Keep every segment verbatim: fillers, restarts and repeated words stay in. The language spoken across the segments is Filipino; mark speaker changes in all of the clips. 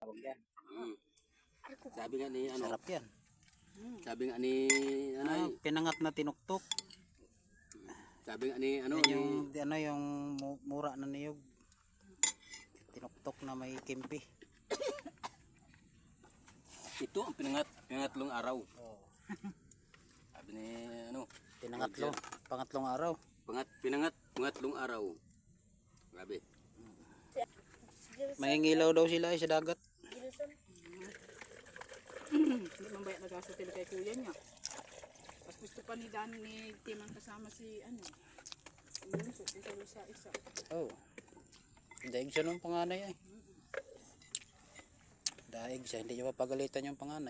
Speaker 1: tawag yan.
Speaker 2: Mm. Sabi nga ni ano,
Speaker 1: Sarap yan.
Speaker 2: sabi nga ni ano,
Speaker 1: Ah, pinangat na tinuktok.
Speaker 2: sabi nga ni ano,
Speaker 1: Yan
Speaker 2: ni,
Speaker 1: yung, ano, yung mu- mura na niyog. Tinuktok na may kimpi.
Speaker 2: ito ang pinangat, pinangatlong araw.
Speaker 1: Oh.
Speaker 2: Sabi ni ano,
Speaker 1: Pinangatlo, pangatlong araw.
Speaker 2: pangat, pinangat, pangatlong araw. Grabe.
Speaker 1: May ngilaw daw sila eh, sa dagat.
Speaker 3: Hindi man bayat nagasatil kay kuya niya. Tapos gusto pa ni Dan ni Timang kasama si ano. Yun, so isa isa isa.
Speaker 1: Oh. Daig siya nung panganay ay. Daig siya, hindi niya mapagalitan yung panganay.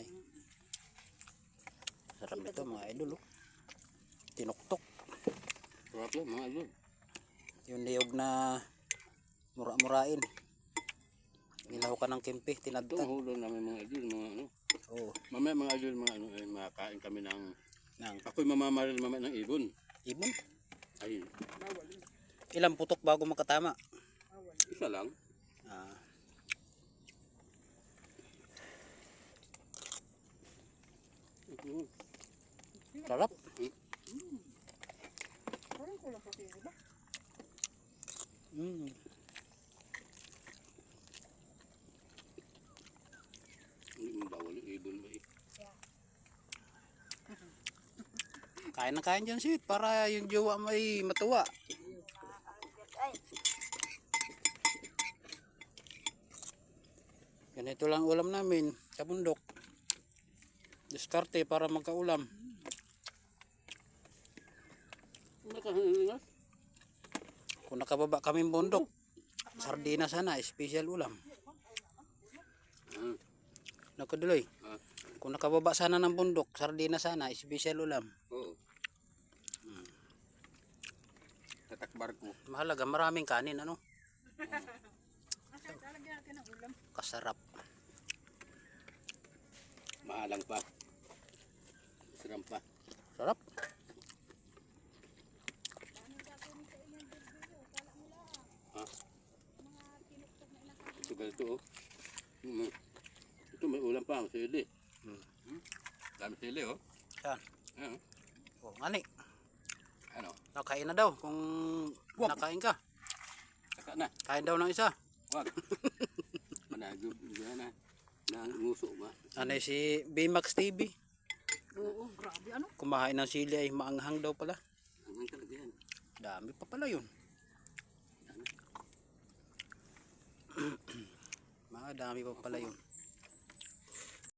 Speaker 1: Sarap nito mga idol oh. Tinuktok.
Speaker 2: Sarap yan mga idol.
Speaker 1: Yung niyog na mura-murain. Ginaw ka ng kimpi,
Speaker 2: Ito
Speaker 1: tinadtad.
Speaker 2: ang hulo namin mga idol, mga ano.
Speaker 1: Oh,
Speaker 2: Mamaya mga idol, mga ano, ay makakain kami ng,
Speaker 1: nang
Speaker 2: ako'y mamamaril mamaya ng ibon.
Speaker 1: ibon.
Speaker 2: Ay,
Speaker 3: Bawal.
Speaker 1: Ilang putok bago makatama?
Speaker 2: isa lang.
Speaker 1: Ah,
Speaker 2: Mm.
Speaker 1: sarap.
Speaker 3: Parang kulang pa kayo, ba?
Speaker 1: Mm.
Speaker 2: Hindi mo bawal yung ibon mo eh.
Speaker 1: Kain na kain dyan sweet para yung jowa mo ay matuwa. Ganito lang ulam namin sa bundok. Diskarte para magkaulam.
Speaker 2: Nakahilingas?
Speaker 1: Kung nakababa kaming bundok, sardina sana, special ulam.
Speaker 2: Ah,
Speaker 1: Nakaduloy.
Speaker 2: ah,
Speaker 1: Kung nakababa sana ng bundok, sardina sana, special ulam.
Speaker 2: oo. Tatakbar ko.
Speaker 1: Mahalaga, maraming kanin, ano?
Speaker 3: Talagyan natin ng ulam.
Speaker 1: Kasarap.
Speaker 2: Mahalang pa. Siram pa.
Speaker 1: Sarap.
Speaker 2: Ha? Ito ganito oh. Mm. Ito may ulam pa ang sili.
Speaker 1: Hmm.
Speaker 2: Hmm? Dami sili oh.
Speaker 1: Yan.
Speaker 2: Ayan.
Speaker 1: O, ngani.
Speaker 2: Ano?
Speaker 1: Nakain na daw kung
Speaker 2: Wag.
Speaker 1: nakain ka.
Speaker 2: Saka na.
Speaker 1: Kain daw ng isa.
Speaker 2: Wag. Managyo. Yan na. Nanguso ba?
Speaker 1: Ano si B-Max T V?
Speaker 3: Oo, grabe ano?
Speaker 1: Kumahain ng sili ay maanghang daw pala.
Speaker 2: Hanggang talaga yan.
Speaker 1: Dami pa pala yun. Mga dami pa pala yun.